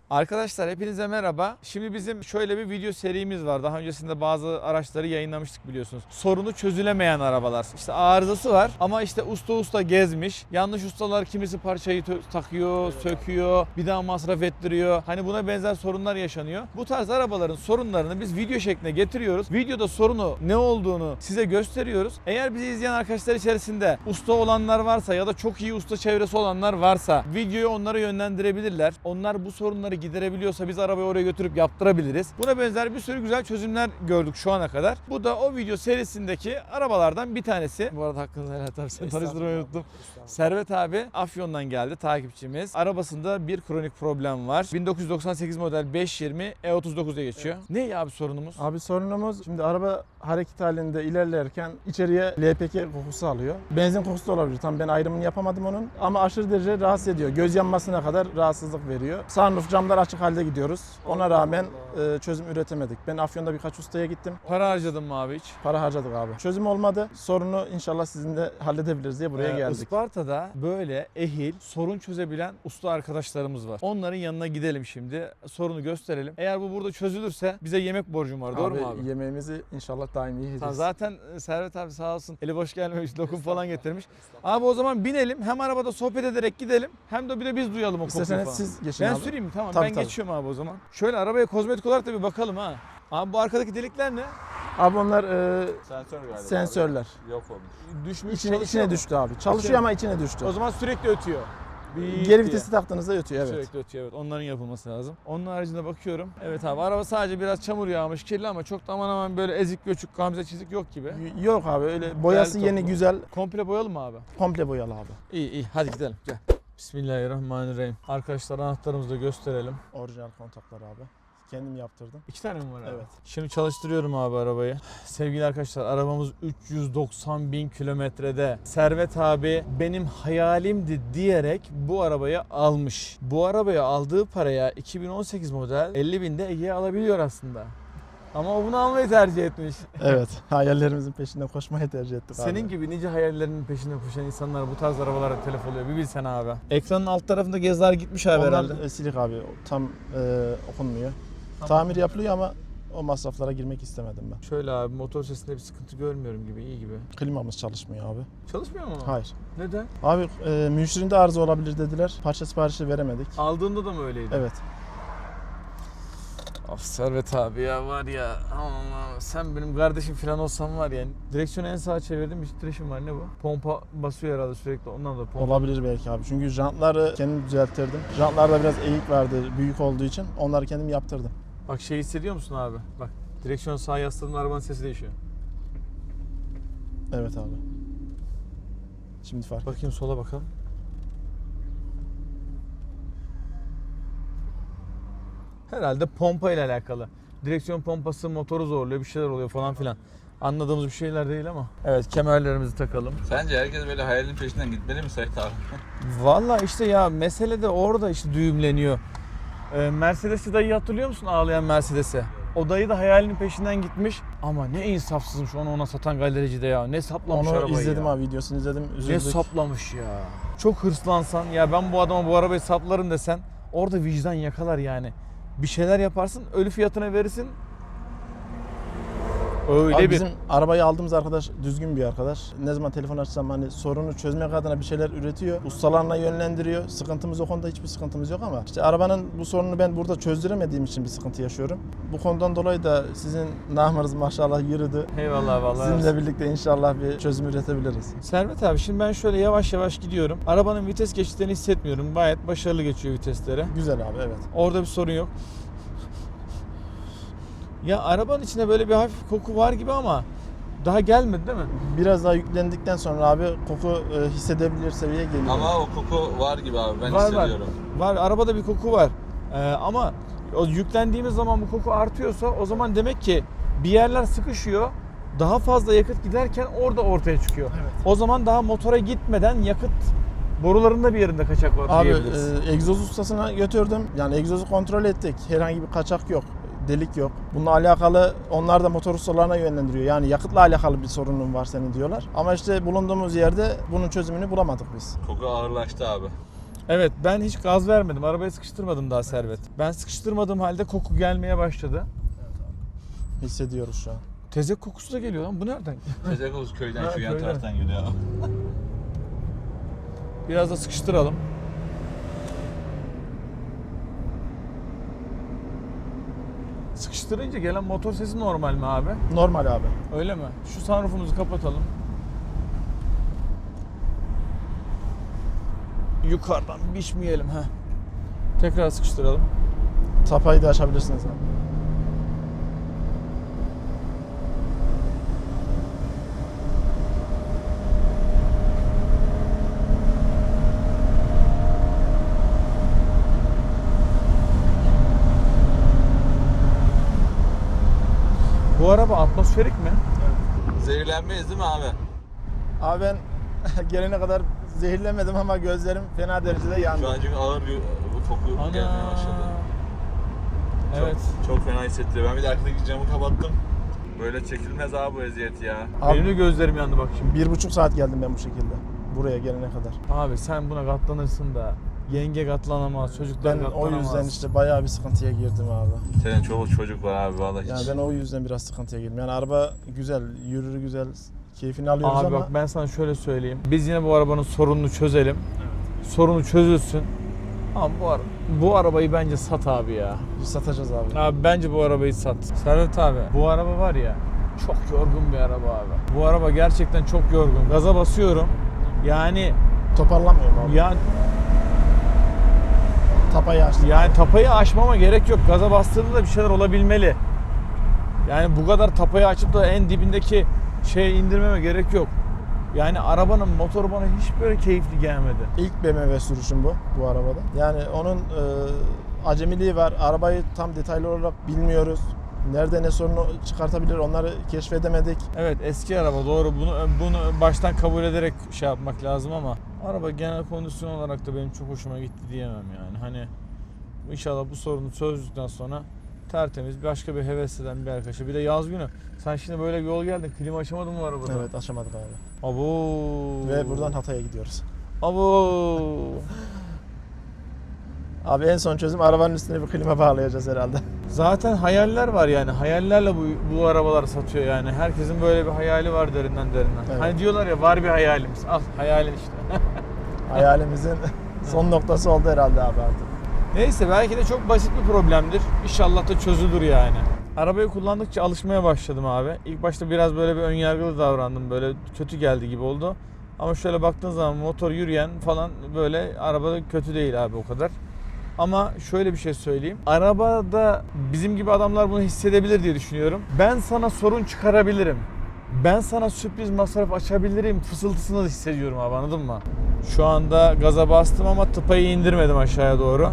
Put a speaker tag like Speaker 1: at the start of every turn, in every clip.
Speaker 1: Arkadaşlar hepinize merhaba. Şimdi bizim şöyle bir video serimiz var. Daha öncesinde bazı araçları yayınlamıştık biliyorsunuz. Sorunu çözülemeyen arabalar. İşte arızası var ama işte usta gezmiş. Yanlış ustalar kimisi parçayı takıyor, söküyor, bir daha masraf ettiriyor. Hani buna benzer sorunlar yaşanıyor. Bu tarz arabaların sorunlarını biz video şekline getiriyoruz. Videoda sorunu ne olduğunu size gösteriyoruz. Eğer bizi izleyen arkadaşlar içerisinde usta olanlar varsa ya da çok iyi usta çevresi olanlar varsa videoyu onlara yönlendirebilirler. Onlar bu sorunları giderebiliyorsa biz arabayı oraya götürüp yaptırabiliriz. Buna benzer bir sürü güzel çözümler gördük şu ana kadar. Bu da o video serisindeki arabalardan bir tanesi. Bu arada hakkınızı helal et abi, seni tanıştırmayı unuttum. Servet abi Afyon'dan geldi, takipçimiz. Arabasında bir kronik problem var. 1998 model 520 E39'a geçiyor. Evet. Ne abi sorunumuz?
Speaker 2: Abi sorunumuz şimdi araba hareket halinde ilerlerken içeriye LPG kokusu alıyor. Benzin kokusu da olabilir. Tam ben ayrımını yapamadım onun. Ama aşırı derece rahatsız ediyor. Göz yanmasına kadar rahatsızlık veriyor. Sunroof camlar açık halde gidiyoruz. Ona rağmen çözüm üretemedik. Ben Afyon'da birkaç ustaya gittim.
Speaker 1: Para harcadın mı abi hiç?
Speaker 2: Para harcadık abi. Çözüm olmadı. Sorunu inşallah sizinle halledebiliriz diye buraya geldik.
Speaker 1: Isparta'da böyle ehil, sorun çözebilen usta arkadaşlarımız var. Onların yanına gidelim şimdi. Sorunu gösterelim. Eğer bu burada çözülürse bize yemek borcum var. Doğru mu abi?
Speaker 2: Yemeğimizi inşallah daim yiyeceğiz.
Speaker 1: Zaten Servet abi sağ olsun eli boş gelmemiş, lokum falan getirmiş. Abi o zaman binelim, hem arabada sohbet ederek gidelim hem de bir de biz duyalım o kokuyu falan.
Speaker 2: İsterseniz siz geçin
Speaker 1: Ben
Speaker 2: abi.
Speaker 1: süreyim mi? Tamam,
Speaker 2: Tabii,
Speaker 1: ben
Speaker 2: tabii.
Speaker 1: geçiyorum abi o zaman. Şöyle arabaya kozmetik olarak da bir bakalım ha. Abi bu arkadaki delikler ne?
Speaker 2: Abi onlar
Speaker 3: Sensör galiba.
Speaker 2: sensörler.
Speaker 3: Abi. Yok olmuş.
Speaker 1: Düşmüş,
Speaker 2: İçine düştü abi. Çalışıyor ama içine düştü.
Speaker 1: O zaman sürekli ötüyor.
Speaker 2: Geri vitesi taktığınızda ötüyor, evet.
Speaker 1: Sürekli ötüyor, evet. Onların yapılması lazım. Onun haricinde bakıyorum. Evet abi, araba sadece biraz çamur yağmış, kirli ama çok da aman aman böyle ezik göçük, gamze çizik yok gibi.
Speaker 2: Yok abi, öyle boyası yeni,
Speaker 1: toplu.
Speaker 2: güzel,
Speaker 1: Komple boyalı mı abi?
Speaker 2: komple boyalı abi.
Speaker 1: İyi hadi gidelim gel. Bismillahirrahmanirrahim. Arkadaşlar anahtarımızı da gösterelim.
Speaker 2: Orijinal kontaklar abi. Kendim yaptırdım.
Speaker 1: 2 tane mi var abi?
Speaker 2: Evet.
Speaker 1: Şimdi çalıştırıyorum abi arabayı. Sevgili arkadaşlar, arabamız 390 bin kilometrede. Servet abi benim hayalimdi diyerek bu arabayı almış. Bu arabayı aldığı paraya 2018 model 50 binde Ege'ye alabiliyor aslında. Ama o bunu almayı tercih etmiş.
Speaker 2: Evet, hayallerimizin peşinden koşmayı tercih ettik abi.
Speaker 1: Senin gibi nice hayallerinin peşinde koşan insanlar bu tarz arabalara telef oluyor. Bir bilsen abi. Ekranın alt tarafında gezler gitmiş abi herhalde.
Speaker 2: Onlar silik abi, tam okunmuyor. Tamir yapılıyor ama o masraflara girmek istemedim ben.
Speaker 1: Şöyle abi, motor sesinde bir sıkıntı görmüyorum gibi, iyi gibi.
Speaker 2: Klimamız çalışmıyor abi.
Speaker 1: Çalışmıyor mu?
Speaker 2: Hayır.
Speaker 1: Neden?
Speaker 2: Abi müşterinde arıza olabilir dediler. Parça siparişi veremedik.
Speaker 1: Aldığında da mı öyleydi?
Speaker 2: Evet.
Speaker 1: Of Servet abi ya, var ya, aman sen benim kardeşim falan olsan var ya, direksiyonu en sağa çevirdim, bir titreşim var, ne bu? Pompa basıyor herhalde sürekli, ondan da pompa.
Speaker 2: Olabilir belki abi. Çünkü jantları kendim düzelttirdim. Jantlarda biraz eğik vardı büyük olduğu için. Onları kendim yaptırdım.
Speaker 1: Bak şey hissediyor musun abi? Bak direksiyonu sağa yasladığında arabanın sesi değişiyor.
Speaker 2: Evet abi. Şimdi fark.
Speaker 1: Bakayım sola bakalım. Herhalde pompa ile alakalı. Direksiyon pompası motoru zorluyor, bir şeyler oluyor falan filan. Anladığımız bir şeyler değil ama. Evet, kemerlerimizi takalım.
Speaker 3: Sence herkes böyle hayalinin peşinden gitmeli mi Sait abi?
Speaker 1: Vallahi işte ya, mesele de orada işte düğümleniyor. Mercedes'i dayı hatırlıyor musun, ağlayan Mercedes'i? O dayı da hayalinin peşinden gitmiş ama ne insafsızmış onu ona satan galericide ya. Ne saplamış
Speaker 2: Onu
Speaker 1: arabayı
Speaker 2: izledim
Speaker 1: ya.
Speaker 2: abi, videosunu izledim. Üzüldük.
Speaker 1: Ne saplamış ya. Çok hırslansan ya, ben bu adama bu arabayı saplarım desen orada vicdan yakalar yani. Bir şeyler yaparsın, ölü fiyatına verirsin. Öyle
Speaker 2: Abi
Speaker 1: bir...
Speaker 2: bizim arabayı aldığımız arkadaş düzgün bir arkadaş. Ne zaman telefon açsam hani sorunu çözmek adına bir şeyler üretiyor. Ustalarına yönlendiriyor. Sıkıntımız o konuda, hiçbir sıkıntımız yok ama işte arabanın bu sorununu ben burada çözdüremediğim için bir sıkıntı yaşıyorum. Bu konudan dolayı da sizin namınız maşallah yürüdü.
Speaker 1: Eyvallah vallahi.
Speaker 2: Sizinle birlikte inşallah bir çözüm üretebiliriz.
Speaker 1: Servet abi, şimdi ben şöyle yavaş yavaş gidiyorum. Arabanın vites geçişlerini hissetmiyorum. Gayet başarılı geçiyor vitesleri.
Speaker 2: Güzel abi, evet.
Speaker 1: Orada bir sorun yok. Ya arabanın içinde böyle bir hafif koku var gibi ama daha gelmedi değil mi?
Speaker 2: Biraz daha yüklendikten sonra abi koku hissedebilir seviyeye geliyor.
Speaker 3: Ama o koku var gibi abi, ben
Speaker 1: Var,
Speaker 3: hissediyorum.
Speaker 1: Var, arabada bir koku var. Ama o yüklendiğimiz zaman bu koku artıyorsa o zaman demek ki bir yerler sıkışıyor. Daha fazla yakıt giderken orada ortaya çıkıyor.
Speaker 2: Evet.
Speaker 1: O zaman daha motora gitmeden yakıt borularında bir yerinde kaçak var
Speaker 2: Abi
Speaker 1: diyebiliriz.
Speaker 2: egzoz ustasına götürdüm. Yani egzozu kontrol ettik. Herhangi bir kaçak yok. Delik yok. Bununla alakalı onlar da motor ustalarına yönlendiriyor. Yani yakıtla alakalı bir sorunun var senin diyorlar. Ama işte bulunduğumuz yerde bunun çözümünü bulamadık biz.
Speaker 3: Koku ağırlaştı abi.
Speaker 1: Evet, ben hiç gaz vermedim. Arabayı sıkıştırmadım daha Servet. Ben sıkıştırmadığım halde koku gelmeye başladı.
Speaker 2: Hissediyoruz şu an.
Speaker 1: Tezek kokusu da geliyor lan. Bu nereden?
Speaker 3: Tezekos köyden
Speaker 1: Ha,
Speaker 3: şu yan
Speaker 1: köyden.
Speaker 3: taraftan geliyor.
Speaker 1: Biraz da sıkıştıralım. Sıkıştırınca gelen motor sesi normal mi abi?
Speaker 2: Normal abi.
Speaker 1: Öyle mi? Şu sunroofumuzu kapatalım. Yukarıdan biçmeyelim ha. Tekrar sıkıştıralım.
Speaker 2: Tapayı da açabilirsiniz abi.
Speaker 1: Bu araba atmosferik mi?
Speaker 3: Zehirlenmeyiz değil mi abi?
Speaker 2: Abi ben gelene kadar zehirlemedim ama gözlerim fena derecede yandı.
Speaker 3: Şu an çünkü ağır bir koku gelmeye başladı.
Speaker 1: Evet.
Speaker 3: Çok fena hissettiriyor. Ben bir de arkadaki camı kapattım. Böyle çekilmez abi bu eziyet ya.
Speaker 2: Abi-
Speaker 1: Benim de gözlerim yandı bak şimdi.
Speaker 2: 1,5 saat geldim ben bu şekilde. Buraya gelene kadar.
Speaker 1: Abi sen buna katlanırsın da yenge katlanamaz, çocuklar
Speaker 2: Ben o
Speaker 1: katlanamaz.
Speaker 2: yüzden işte bayağı bir sıkıntıya girdim abi.
Speaker 3: Senin çoluk çocuk var abi vallahi hiç.
Speaker 2: Yani ben o yüzden biraz sıkıntıya girdim. Yani araba güzel, yürür güzel, keyfini alıyoruz
Speaker 1: Abi
Speaker 2: ama
Speaker 1: bak ben sana şöyle söyleyeyim. Biz yine bu arabanın sorununu çözelim. Sorunu çözülsün. Ama bu arabayı bence sat abi ya.
Speaker 2: biz satacağız abi.
Speaker 1: Abi bence bu arabayı sat. Servet abi bu araba var ya çok yorgun bir araba abi. Bu araba gerçekten çok yorgun. Gaza basıyorum. Yani
Speaker 2: Toparlamıyorum abi. Tapayı açtım.
Speaker 1: Yani tapayı aşmama gerek yok. Gaza bastığında da bir şeyler olabilmeli. Yani bu kadar tapayı açıp da en dibindeki şeye indirmeme gerek yok. Yani arabanın motoru bana hiç böyle keyifli gelmedi.
Speaker 2: İlk BMW sürüşüm bu arabada. Yani onun acemiliği var. Arabayı tam detaylı olarak bilmiyoruz. Nerede ne sorunu çıkartabilir onları keşfedemedik.
Speaker 1: Evet eski araba doğru bunu baştan kabul ederek şey yapmak lazım ama araba genel kondisyon olarak da benim çok hoşuma gitti diyemem yani. Hani inşallah bu sorunu çözdükten sonra tertemiz başka bir heves eden bir arkadaşa. Bir de yaz günü. Sen şimdi böyle bir yol geldin. Klima açamadın mı arabada?
Speaker 2: Evet açamadık abi.
Speaker 1: Abo.
Speaker 2: Ve buradan Hatay'a gidiyoruz.
Speaker 1: Abo.
Speaker 2: Abi en son çözüm arabanın üstüne bir klima bağlayacağız herhalde.
Speaker 1: Zaten hayaller var yani. Hayallerle bu arabalar satıyor yani. Herkesin böyle bir hayali var derinden.
Speaker 2: Evet.
Speaker 1: Hani diyorlar ya var bir hayalimiz. Al hayalin işte.
Speaker 2: Hayalimizin son noktası oldu herhalde abi artık.
Speaker 1: Neyse belki de çok basit bir problemdir. İnşallah da çözülür yani. Arabayı kullandıkça alışmaya başladım abi. İlk başta biraz böyle bir önyargılı davrandım. Böyle kötü geldi gibi oldu. Ama şöyle baktığın zaman motor yürüyen falan böyle arabada kötü değil abi o kadar. Ama şöyle bir şey söyleyeyim. Arabada bizim gibi adamlar bunu hissedebilir diye düşünüyorum. Ben sana sorun çıkarabilirim. Ben sana sürpriz masraf açabilirim fısıltısını da hissediyorum abi anladın mı? Şu anda gaza bastım ama tıpayı indirmedim aşağıya doğru.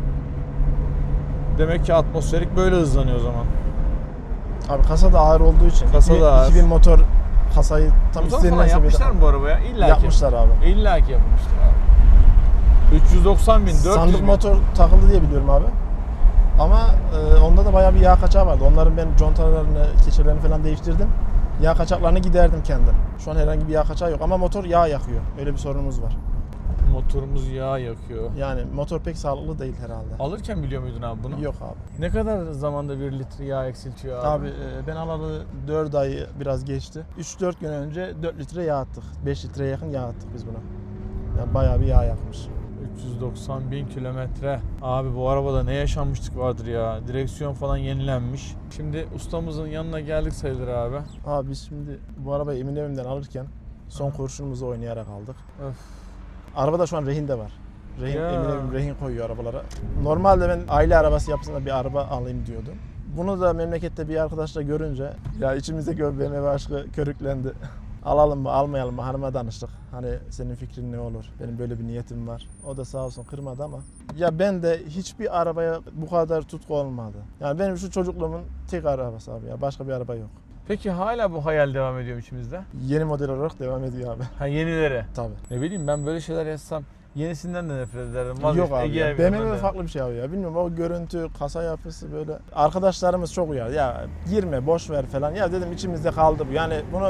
Speaker 1: Demek ki atmosferik böyle hızlanıyor o zaman.
Speaker 2: Abi kasa da ağır olduğu için.
Speaker 1: Kasa da ağır.
Speaker 2: 2000 motor kasayı tam
Speaker 1: Motor
Speaker 2: istenilen
Speaker 1: falan
Speaker 2: seviyede
Speaker 1: yapmışlar mı bu arabaya? İlla ki.
Speaker 2: yapmışlar abi.
Speaker 1: İlla ki yapmışlar abi. 390 bin, 400
Speaker 2: Sandık
Speaker 1: bin.
Speaker 2: motor takıldı diye biliyorum abi. Ama onda da bayağı bir yağ kaçağı vardı. Onların ben contalarını, keçelerini falan değiştirdim. Yağ kaçaklarını giderdim kendim. Şu an herhangi bir yağ kaçağı yok ama motor yağ yakıyor. Öyle bir sorunumuz var.
Speaker 1: Motorumuz yağ yakıyor.
Speaker 2: Yani motor pek sağlıklı değil herhalde.
Speaker 1: Alırken biliyor muydun abi bunu?
Speaker 2: Yok abi.
Speaker 1: Ne kadar zamanda 1 litre yağ eksiltiyor abi?
Speaker 2: Abi ben alalı 4 ayı biraz geçti. 3-4 gün önce 4 litre yağ attık. 5 litreye yakın yağ attık biz buna. Yani bayağı bir yağ yakmış.
Speaker 1: 390 bin kilometre. Abi bu arabada ne yaşanmışlık vardır ya. Direksiyon falan yenilenmiş. Şimdi ustamızın yanına geldik sayılır abi.
Speaker 2: Abi biz şimdi bu arabayı Eminönü'nden alırken son kurşunumuzu oynayarak aldık.
Speaker 1: Öf.
Speaker 2: Arabada şu an rehin de var. Rehin,
Speaker 1: Ya.
Speaker 2: Eminönü rehin koyuyor arabalara. Normalde ben aile arabası yapısında bir araba alayım diyordum. Bunu da memlekette bir arkadaşla görünce ya içimizdeki o BMW aşkı körüklendi. Alalım mı almayalım mı hanıma danıştık. Hani senin fikrin ne olur? Benim böyle bir niyetim var. O da sağ olsun kırmadı ama. Ya ben de hiçbir arabaya bu kadar tutku olmadı. Yani benim şu çocukluğumun tek arabası abi ya. Başka bir araba yok.
Speaker 1: Peki hala bu hayal devam ediyor mu içimizde?
Speaker 2: Yeni model olarak devam ediyor abi.
Speaker 1: Ha yenileri.
Speaker 2: Tabii.
Speaker 1: Ne bileyim ben böyle şeyler yazsam yenisinden de nefret ederim.
Speaker 2: Yok
Speaker 1: Vazgeçtim,
Speaker 2: abi
Speaker 1: Ege'ye
Speaker 2: ya.
Speaker 1: binmem
Speaker 2: BMW
Speaker 1: de.
Speaker 2: farklı bir şey abi ya. Bilmiyorum o görüntü, kasa yapısı böyle. Arkadaşlarımız çok uyardı. Ya girme, boş ver falan. Ya dedim içimizde kaldı bu. Yani bunu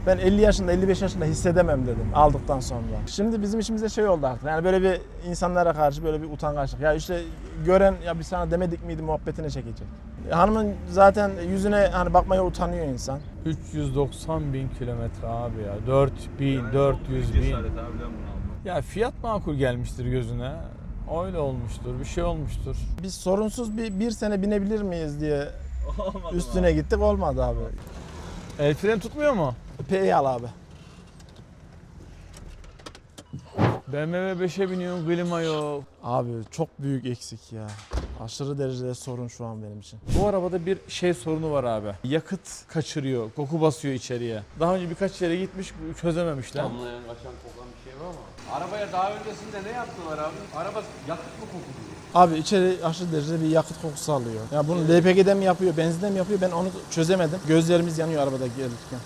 Speaker 2: Ben 50 yaşında 55 yaşında hissedemem dedim aldıktan sonra. Şimdi bizim içimizde şey oldu artık. Yani böyle bir insanlara karşı böyle bir utangaçlık. Ya işte gören ya biz sana demedik miydi muhabbetine çekecek. Hanımın zaten yüzüne hani bakmaya utanıyor insan.
Speaker 1: 390 bin kilometre abi ya. 400 bin. Ya fiyat makul gelmiştir gözüne. Öyle olmuştur, bir şey olmuştur.
Speaker 2: Biz sorunsuz bir sene binebilir miyiz diye üstüne gittik, olmadı abi.
Speaker 1: El freni tutmuyor mu?
Speaker 2: P'yi al abi.
Speaker 1: BMW 5'e biniyorsun, klima yok.
Speaker 2: Abi çok büyük eksik ya. Aşırı derecede sorun şu an benim için.
Speaker 1: Bu arabada bir şey sorunu var abi. Yakıt kaçırıyor, koku basıyor içeriye. Daha önce birkaç yere gitmiş, çözememişler.
Speaker 4: Damlayan, kaçan, kokan bir şey var ama. Arabaya daha öncesinde ne yaptılar abi? Araba yakıt mı kokuyor?
Speaker 2: Abi içeri aşırı derecede bir yakıt kokusu alıyor. Ya bunu LPG'de mi yapıyor, benzinde mi yapıyor, ben onu çözemedim. Gözlerimiz yanıyor arabada gelirken.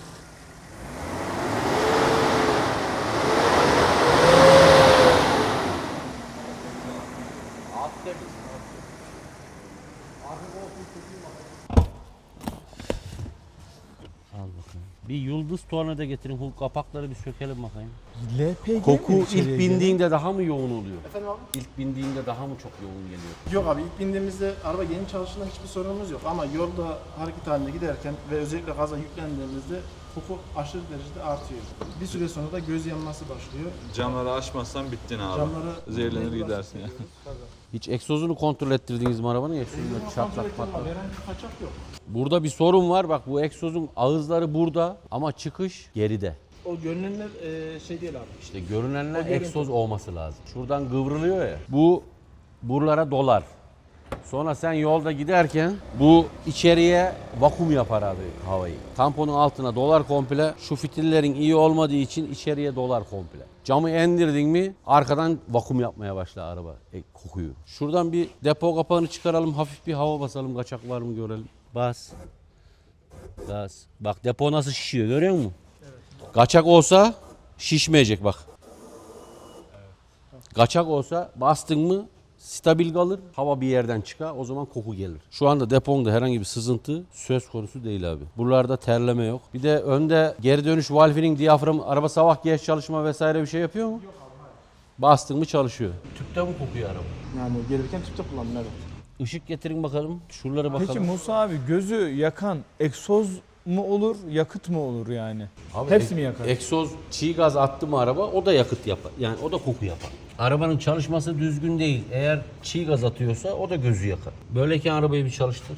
Speaker 4: Al bakayım. Bir yıldız tornavida getirin. Bu kapakları bir sökelim bakayım.
Speaker 2: LPG
Speaker 4: Koku
Speaker 2: mi
Speaker 4: ilk
Speaker 2: içeriye
Speaker 4: bindiğinde daha mı yoğun oluyor?
Speaker 2: Efendim abi?
Speaker 4: İlk bindiğinde daha mı çok yoğun geliyor?
Speaker 2: Yok abi, ilk bindiğimizde araba yeni çalıştığında hiçbir sorunumuz yok. Ama yolda hareket halinde giderken ve özellikle gaza yüklendiğimizde koku aşırı derecede artıyor. Bir süre sonra da göz yanması başlıyor.
Speaker 3: Camları açmazsan bittin abi.
Speaker 2: Camları
Speaker 3: Zehirlenir gidersin ya.
Speaker 4: Hiç egzozunu kontrol ettirdiniz mi arabanın? Egzozunda
Speaker 2: Kontrol
Speaker 4: çatlak
Speaker 2: ettim
Speaker 4: patlak.
Speaker 2: abi, herhangi bir kaçak yok.
Speaker 4: Burada bir sorun var. Bak bu egzozun ağızları burada ama çıkış geride.
Speaker 2: O görünenler şey değil abi.
Speaker 4: İşte görünenler
Speaker 2: O görüntü.
Speaker 4: egzoz olması lazım. Şuradan kıvrılıyor ya. Bu buralara dolar. Sonra sen yolda giderken bu içeriye vakum yapar abi havayı. Tamponun altına dolar komple. Şu fitillerin iyi olmadığı için içeriye dolar komple. Camı indirdin mi arkadan vakum yapmaya başlar araba kokuyu. Şuradan bir depo kapağını çıkaralım, hafif bir hava basalım, kaçak var mı görelim. Bas. Gaz. Bak depo nasıl şişiyor görüyor musun? Evet. Kaçak olsa şişmeyecek bak. Kaçak olsa bastın mı stabil kalır, hava bir yerden çıkar, o zaman koku gelir. Şu anda deponda herhangi bir sızıntı söz konusu değil abi. Buralarda terleme yok. Bir de önde geri dönüş valfinin diyafram, araba sabah geç çalışma vesaire bir şey yapıyor mu? Yok abi. Bastın mı çalışıyor. Tüpte mi kokuyor araba?
Speaker 2: Yani gelirken tüpte kullandım, evet.
Speaker 4: Işık getirin bakalım, şuralara bakalım.
Speaker 1: Peki Musa abi gözü yakan egzoz mu olur, yakıt mı olur yani?
Speaker 4: Abi,
Speaker 1: Hepsi mi yakar?
Speaker 4: Egzoz çiğ gaz attı mı araba o da yakıt yapar. Yani o da koku yapar. Arabanın çalışması düzgün değil. Eğer çiğ gaz atıyorsa o da gözü yakar. Böyleyken arabayı bir çalıştır.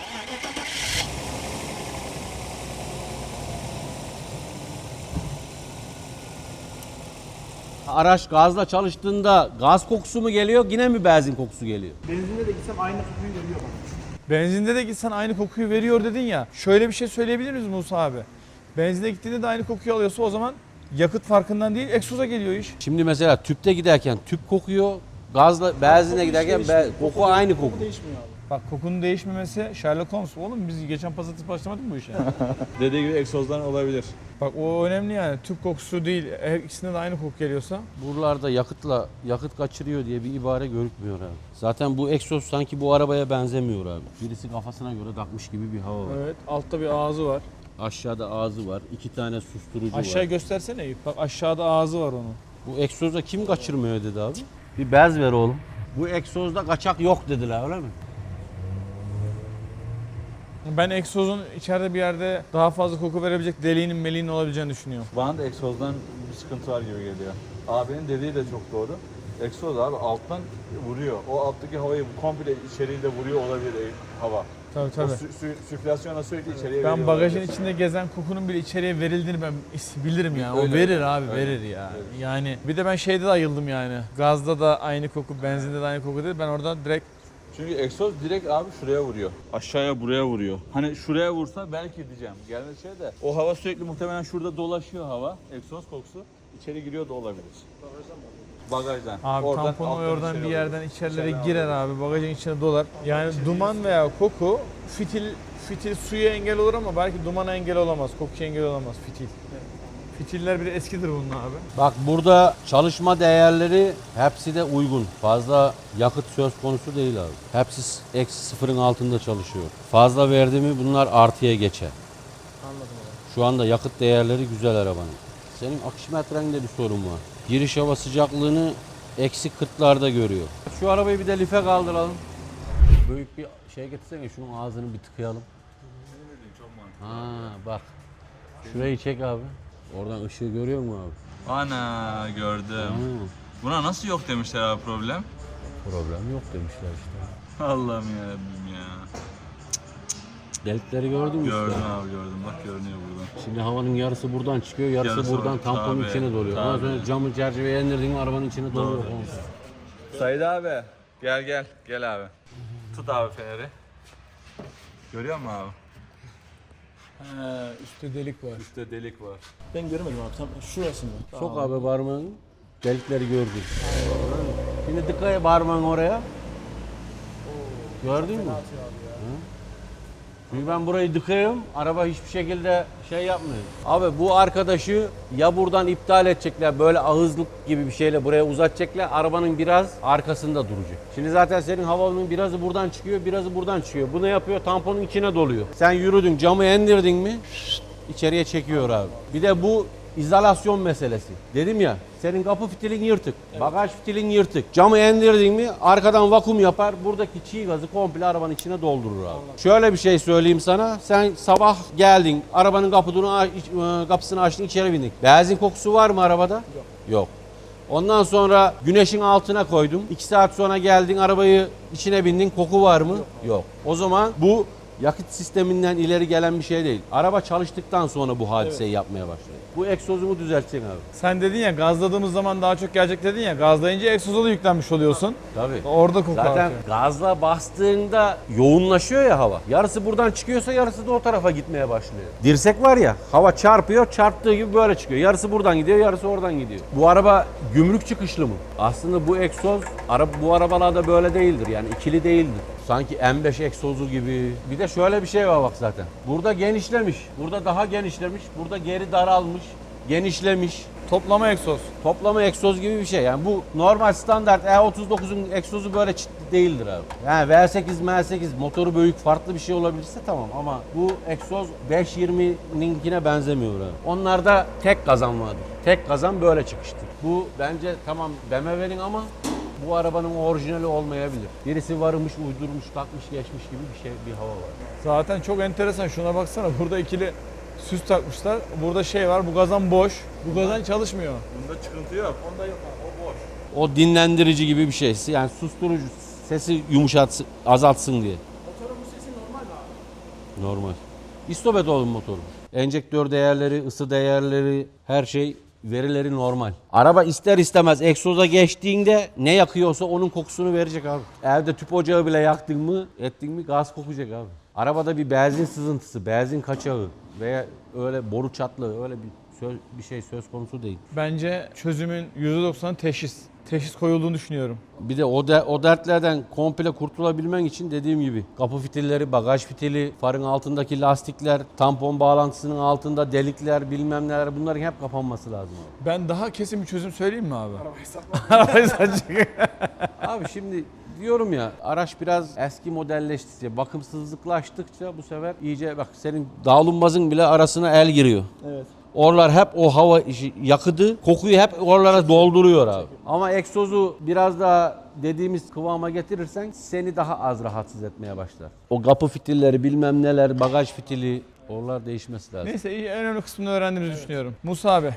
Speaker 4: Araç gazla çalıştığında gaz kokusu mu geliyor yine mi benzin kokusu geliyor?
Speaker 2: Benzinde de gitsem aynı kokuyu veriyor bana.
Speaker 1: Benzinde de gitsen aynı kokuyu veriyor dedin ya. Şöyle bir şey söyleyebilir miyiz Musa abi? Benzinde gittiğinde de aynı kokuyu alıyorsa o zaman yakıt farkından değil egzoza geliyor iş.
Speaker 4: Şimdi mesela tüpte giderken tüp kokuyor, gazla benzinle giderken koku aynı koku.
Speaker 2: Değişmiyor abi.
Speaker 1: Bak kokunun değişmemesi Sherlock Holmes. Oğlum biz geçen pazartesi başlamadık mı bu işe?
Speaker 3: Dediği gibi egzozdan olabilir.
Speaker 1: Bak o önemli yani. Tüp kokusu değil. Her ikisinde de aynı koku geliyorsa.
Speaker 4: Buralarda yakıt kaçırıyor diye bir ibare görükmüyor abi. Zaten bu egzoz sanki bu arabaya benzemiyor abi. Birisi kafasına göre takmış gibi bir hava var.
Speaker 1: Evet. Altta bir ağzı var.
Speaker 4: Aşağıda ağzı var, 2 tane susturucu
Speaker 1: Aşağı
Speaker 4: var.
Speaker 1: göstersene Eyüp. Bak aşağıda ağzı var onun.
Speaker 4: Bu egzoza kim kaçırmıyor dedi abi? Bir bez ver oğlum. Bu egzozda kaçak yok dediler öyle mi?
Speaker 1: Ben egzozun içeride bir yerde daha fazla koku verebilecek deliğinin meliğinin olabileceğini düşünüyorum.
Speaker 3: Bana da egzozdan bir sıkıntı var gibi geliyor. Abinin dediği de çok doğru. Egzoz abi alttan vuruyor. O alttaki havayı komple içeriği de vuruyor olabilir hava.
Speaker 1: Tabii
Speaker 3: O
Speaker 1: tabii.
Speaker 3: sirkülasyona sürekli içeriye
Speaker 1: Ben
Speaker 3: veriyor
Speaker 1: bagajın
Speaker 3: olabilir.
Speaker 1: içinde gezen kokunun bile içeriye verildiğini ben bilirim ya. O
Speaker 3: Öyle.
Speaker 1: verir abi,
Speaker 3: Öyle.
Speaker 1: verir ya.
Speaker 3: Evet.
Speaker 1: Yani bir de ben şeyde de ayıldım yani. Gazda da aynı koku, benzinde de aynı koku değil. Ben oradan direkt
Speaker 3: Çünkü egzoz direkt abi şuraya vuruyor. Aşağıya buraya vuruyor. Hani şuraya vursa belki diyeceğim. Gelmedi şey de. O hava sürekli muhtemelen şurada dolaşıyor hava. Egzoz kokusu. İçeri giriyor da olabilir. Bagajdan.
Speaker 1: abi tamponu
Speaker 3: alttan
Speaker 1: oradan
Speaker 3: içeri
Speaker 1: bir
Speaker 3: alıyor.
Speaker 1: yerden içerilere
Speaker 3: İçeri
Speaker 1: girer
Speaker 3: alıyor.
Speaker 1: abi. Bagajın içine dolar. Yani duman veya koku fitil suya engel olur ama belki dumana engel olamaz. Kokuya engel olamaz fitil. Fitiller bir de eskidir bunun abi.
Speaker 4: Bak burada çalışma değerleri hepsi de uygun. Fazla yakıt söz konusu değil abi. Hepsi eksi sıfırın altında çalışıyor. Fazla verdi mi bunlar artıya geçer.
Speaker 2: Anladım abi.
Speaker 4: Şu anda yakıt değerleri güzel arabanın. Senin akşimetrende bir sorun var. Giriş hava sıcaklığını eksi 40'larda görüyor. Şu arabayı bir de life kaldıralım. Büyük bir şey getirsene, şunun ağzını bir tıkayalım. Ha bak. Şurayı çek abi. Oradan ışığı görüyor musun abi?
Speaker 3: Ana gördüm.
Speaker 4: Ha,
Speaker 3: Buna nasıl yok demişler abi problem?
Speaker 4: problem yok demişler işte.
Speaker 3: Allah'ım yarabbim ya.
Speaker 4: Delikleri gördün mü
Speaker 3: Gördüm
Speaker 4: işte?
Speaker 3: abi gördüm. Bak görünüyor buradan.
Speaker 4: Şimdi havanın yarısı buradan çıkıyor, yarısı
Speaker 3: Yarısı
Speaker 4: buradan
Speaker 3: var.
Speaker 4: tamponun
Speaker 3: Tabii,
Speaker 4: içine doluyor. Ondan
Speaker 3: tabii.
Speaker 4: sonra camı çerçeveye indirdiğin arabanın içine doluyor.
Speaker 3: Said abi gel gel abi. Tut abi feneri. Görüyor musun abi?
Speaker 1: Üstte delik var.
Speaker 3: Üstte delik var.
Speaker 2: Ben göremedim abi. Tam şurası mı?
Speaker 4: Sok abi parmağını, delikleri gördün. Şimdi dikkat et parmağını oraya. Gördün mü? Çünkü ben burayı dıkayım, araba hiçbir şekilde şey yapmıyor. Abi bu arkadaşı ya buradan iptal edecekler, böyle ağızlık gibi bir şeyle buraya uzatacaklar, arabanın biraz arkasında duracak. Şimdi zaten senin havanın birazı buradan çıkıyor, birazı buradan çıkıyor. Bu ne yapıyor? Tamponun içine doluyor. Sen yürüdün, camı indirdin mi, içeriye çekiyor abi. Bir de bu izolasyon meselesi. Dedim ya, senin kapı fitilin yırtık, bagaj fitilin yırtık. Camı indirdin mi arkadan vakum yapar, buradaki çiğ gazı komple arabanın içine doldurur abi. Şöyle bir şey söyleyeyim sana, sen sabah geldin, arabanın kapısını açtın, içeri bindin. Benzin kokusu var mı arabada? Yok. Yok. Ondan sonra güneşin altına koydum. 2 saat sonra geldin, arabayı içine bindin, koku var mı? Yok. O zaman bu yakıt sisteminden ileri gelen bir şey değil. Araba çalıştıktan sonra bu hadiseyi yapmaya başlıyor. Bu egzozunu düzelteceksin abi.
Speaker 1: Sen dedin ya gazladığımız zaman daha çok gelecek dedin ya. Gazlayınca egzoza da yüklenmiş oluyorsun.
Speaker 4: Tabii.
Speaker 1: Orada koku
Speaker 4: Zaten
Speaker 1: artıyor.
Speaker 4: gazla bastığında yoğunlaşıyor ya hava. Yarısı buradan çıkıyorsa yarısı da o tarafa gitmeye başlıyor. Dirsek var ya, hava çarpıyor, çarptığı gibi böyle çıkıyor. Yarısı buradan gidiyor, yarısı oradan gidiyor. Bu araba gümrük çıkışlı mı? Aslında bu egzoz bu arabalarda böyle değildir, yani ikili değildir. Sanki M5 egzozu gibi. Bir de şöyle bir şey var bak zaten. Burada genişlemiş, burada daha genişlemiş, burada geri daralmış, genişlemiş.
Speaker 1: Toplama egzoz.
Speaker 4: Toplama egzoz gibi bir şey. Yani bu normal standart E39'un egzozu böyle çıtlı değildir abi. Yani V8, M8 motoru büyük farklı bir şey olabilirse tamam ama bu egzoz 520'ninkine benzemiyor abi. Onlarda tek kazan vardır. Tek kazan böyle çıkıştır. Bu bence tamam BMW'nin ama bu arabanın orijinali olmayabilir. Birisi varmış, uydurmuş, takmış, geçmiş gibi bir şey, bir hava var.
Speaker 1: Zaten çok enteresan. Şuna baksana. Burada ikili süs takmışlar. Burada şey var. Bu gazan boş. Bu gazan çalışmıyor.
Speaker 3: Bunda çıkıntı yok. Onda yok abi. O boş.
Speaker 4: O dinlendirici gibi bir şey. Yani susturucu, sesi yumuşatsın, azaltsın diye.
Speaker 2: Motorun bu sesi normal mi abi?
Speaker 4: Normal. İstopet oğlum motoru. Enjektör değerleri, ısı değerleri, her şey verileri normal. Araba ister istemez egzoza geçtiğinde ne yakıyorsa onun kokusunu verecek abi. Evde tüp ocağı bile yaktın mı, ettin mi gaz kokacak abi. Arabada bir benzin sızıntısı, benzin kaçağı veya öyle boru çatlığı öyle bir şey söz konusu değil.
Speaker 1: Bence çözümün %90'ı teşhis. Teşhis koyulduğunu düşünüyorum.
Speaker 4: Bir de o dertlerden komple kurtulabilmen için dediğim gibi kapı fitilleri, bagaj fitili, farın altındaki lastikler, tampon bağlantısının altında delikler, bilmem neler bunların hep kapanması lazım abi.
Speaker 1: Ben daha kesin bir çözüm söyleyeyim mi abi?
Speaker 2: Arabayı satmak.
Speaker 1: Arabayı satacak.
Speaker 4: Abi şimdi diyorum ya araç biraz eski modelleştikçe, bakımsızlıklaştıkça bu sefer iyice bak senin dağılınmazın bile arasına el giriyor.
Speaker 2: Evet.
Speaker 4: Oralar hep o hava yakıdı, kokuyu hep oralara dolduruyor abi. Ama egzozu biraz daha dediğimiz kıvama getirirsen seni daha az rahatsız etmeye başlar. O kapı fitilleri bilmem neler, bagaj fitili oralar değişmesi lazım.
Speaker 1: Neyse iyi, en önemli kısmını öğrendiğimizi düşünüyorum. Musa abi.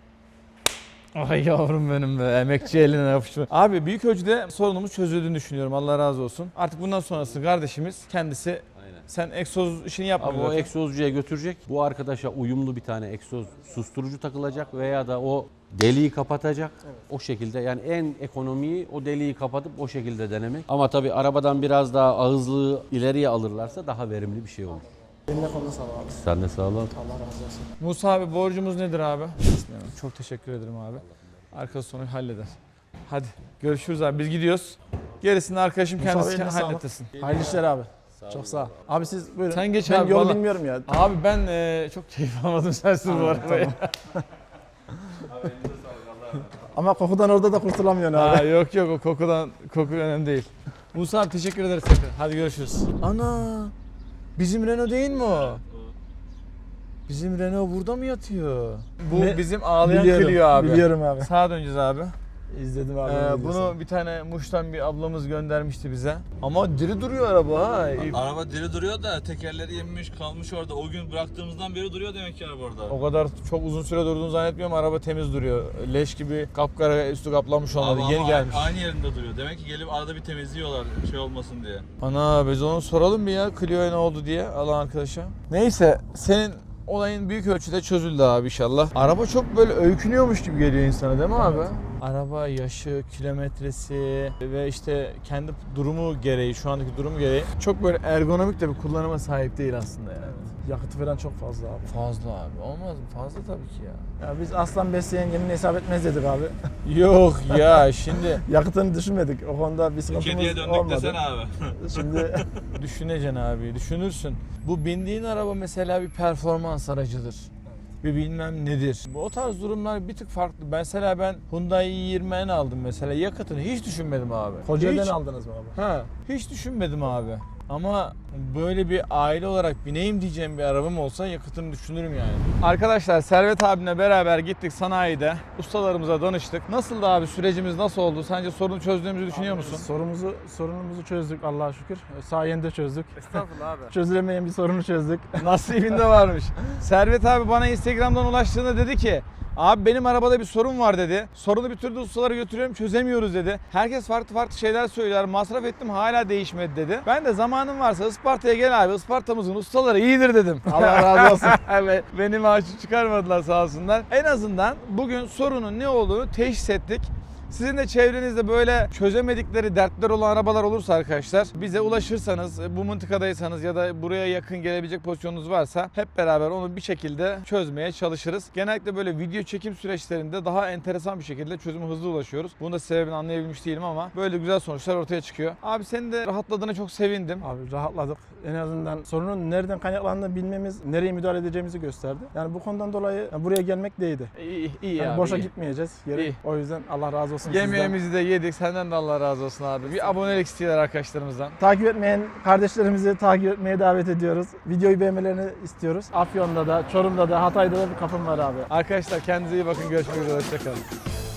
Speaker 1: Ay yavrum benim be. Emekçi eline yapışma. Abi büyük ölçüde sorunumuz çözüldüğünü düşünüyorum. Allah razı olsun. Artık bundan sonrası kardeşimiz kendisi.
Speaker 4: Aynen.
Speaker 1: Sen egzoz işini yapmıyor
Speaker 4: Abi o
Speaker 1: zaten.
Speaker 4: egzozcuya götürecek. Bu arkadaşa uyumlu bir tane egzoz susturucu takılacak veya da o deliği kapatacak. O şekilde yani en ekonomiyi o deliği kapatıp o şekilde denemek. Ama tabii arabadan biraz daha ağızlığı ileriye alırlarsa daha verimli bir şey olur.
Speaker 2: Eline koluna sağlık abi.
Speaker 4: Sen de sağ ol.
Speaker 2: Allah razı olsun.
Speaker 1: Musa abi borcumuz nedir abi? Çok teşekkür ederim abi. Arkası sonu halleder. Hadi görüşürüz abi. Biz gidiyoruz. Gerisini arkadaşım
Speaker 2: Musa
Speaker 1: kendisi
Speaker 2: abi, eline sağlık.
Speaker 1: halletsin.
Speaker 2: Hayırlı işler abi. Çok sağ ol. Abi siz buyurun.
Speaker 1: Sen geç
Speaker 2: ben
Speaker 1: abi,
Speaker 2: yolu
Speaker 1: vallahi.
Speaker 2: bilmiyorum ya.
Speaker 1: Abi ben çok keyif almadım sensiz bu arabaya.
Speaker 2: Ama kokudan orada da kurtulamıyorsun abi.
Speaker 1: Ha, yok o koku önemli değil. Musa abi teşekkür ederiz tekrar. Hadi görüşürüz. Ana bizim Renault değil mi o? Bizim Renault burada mı yatıyor? Bu
Speaker 2: Ne?
Speaker 1: bizim ağlayan
Speaker 2: Biliyorum,
Speaker 1: Clio abi.
Speaker 2: Biliyorum abi.
Speaker 1: Sağa döneceğiz abi.
Speaker 2: İzledim abi.
Speaker 1: Bunu bir tane Muş'tan bir ablamız göndermişti bize. Ama diri duruyor araba ha.
Speaker 3: Araba diri duruyor da tekerleri yemiş kalmış orada. O gün bıraktığımızdan beri duruyor demek ki araba orada.
Speaker 1: O kadar çok uzun süre durduğunu zannetmiyorum. Araba temiz duruyor. Leş gibi kapkara üstü kaplanmış olmadı.
Speaker 3: Abi
Speaker 1: Yeni
Speaker 3: ama
Speaker 1: gelmiş.
Speaker 3: aynı yerinde duruyor. Demek ki gelip arada bir temizliyorlar şey olmasın diye.
Speaker 1: Ana biz onu soralım bir ya Clio'ya ne oldu diye alan arkadaşa. Neyse senin olayın büyük ölçüde çözüldü abi inşallah. Araba çok böyle öykünüyormuş gibi geliyor insana değil mi abi? Araba yaşı, kilometresi ve işte kendi durumu gereği, şu andaki durumu gereği çok böyle ergonomik de bir kullanıma sahip değil aslında yani.
Speaker 2: Yakıtı falan çok fazla abi.
Speaker 1: Fazla abi. Olmaz mı? Fazla tabii ki ya.
Speaker 2: Ya biz aslan besleyen gemini hesap etmez dedik abi.
Speaker 1: Yok ya şimdi
Speaker 2: Yakıtını düşünmedik. O konuda bir sıkıntımız
Speaker 3: Kediye döndük
Speaker 2: olmadı.
Speaker 3: desene abi.
Speaker 2: Şimdi
Speaker 1: düşüneceksin abi, düşünürsün. Bu bindiğin araba mesela bir performans aracıdır. Bir bilmem nedir. O tarz durumlar bir tık farklı. Mesela ben Hyundai i20N aldım mesela. Yakıtını hiç düşünmedim abi.
Speaker 2: Kocaeli'den
Speaker 1: Hiç.
Speaker 2: aldınız mı abi?
Speaker 1: Ha, hiç düşünmedim abi. Ama böyle bir aile olarak bineyim diyeceğim bir arabam olsa yakıtını düşünürüm yani. Arkadaşlar Servet abimle beraber gittik sanayide. Ustalarımıza danıştık. Nasıldı abi sürecimiz nasıl oldu? Sence sorunu çözdüğümüzü düşünüyor musun?
Speaker 2: Sorunumuzu çözdük Allah'a şükür. Sayende çözdük.
Speaker 1: Estağfurullah abi.
Speaker 2: Çözülemeyen bir sorunu çözdük.
Speaker 1: Nasibinde varmış. Servet abi bana Instagram'dan ulaştığında dedi ki abi benim arabada bir sorun var dedi. Sorunu bir türlü ustalara götürüyorum çözemiyoruz dedi. Herkes farklı farklı şeyler söyler. Masraf ettim hala değişmedi dedi. Ben de zamanın varsa Isparta'ya gel abi. Isparta'mızın ustaları iyidir dedim.
Speaker 2: Allah razı olsun.
Speaker 1: Evet, beni maaşı çıkarmadılar sağ olsunlar. En azından bugün sorunun ne olduğunu teşhis ettik. Sizin de çevrenizde böyle çözemedikleri dertler olan arabalar olursa arkadaşlar bize ulaşırsanız, bu mıntıkadaysanız ya da buraya yakın gelebilecek pozisyonunuz varsa hep beraber onu bir şekilde çözmeye çalışırız. Genellikle böyle video çekim süreçlerinde daha enteresan bir şekilde çözüme hızlı ulaşıyoruz. Bunun da sebebini anlayabilmiş değilim ama böyle güzel sonuçlar ortaya çıkıyor. Abi senin de rahatladığına çok sevindim.
Speaker 2: Abi rahatladık. En azından sorunun nereden kaynaklandığını bilmemiz, nereye müdahale edeceğimizi gösterdi. Yani bu konudan dolayı buraya gelmek değdi.
Speaker 1: İyi
Speaker 2: Yani
Speaker 1: abi.
Speaker 2: boşa
Speaker 1: iyi.
Speaker 2: gitmeyeceğiz. Geri.
Speaker 1: İyi.
Speaker 2: O yüzden Allah razı olsun sizden.
Speaker 1: Yemeğimizi de yedik. Senden de Allah razı olsun abi. Bir abonelik istiyorlar arkadaşlarımızdan.
Speaker 2: Takip etmeyen kardeşlerimizi takip etmeye davet ediyoruz. Videoyu beğenmelerini istiyoruz. Afyon'da da, Çorum'da da, Hatay'da da bir kapım var abi.
Speaker 1: Arkadaşlar kendinize iyi bakın. Görüşmek üzere. Hoşçakalın.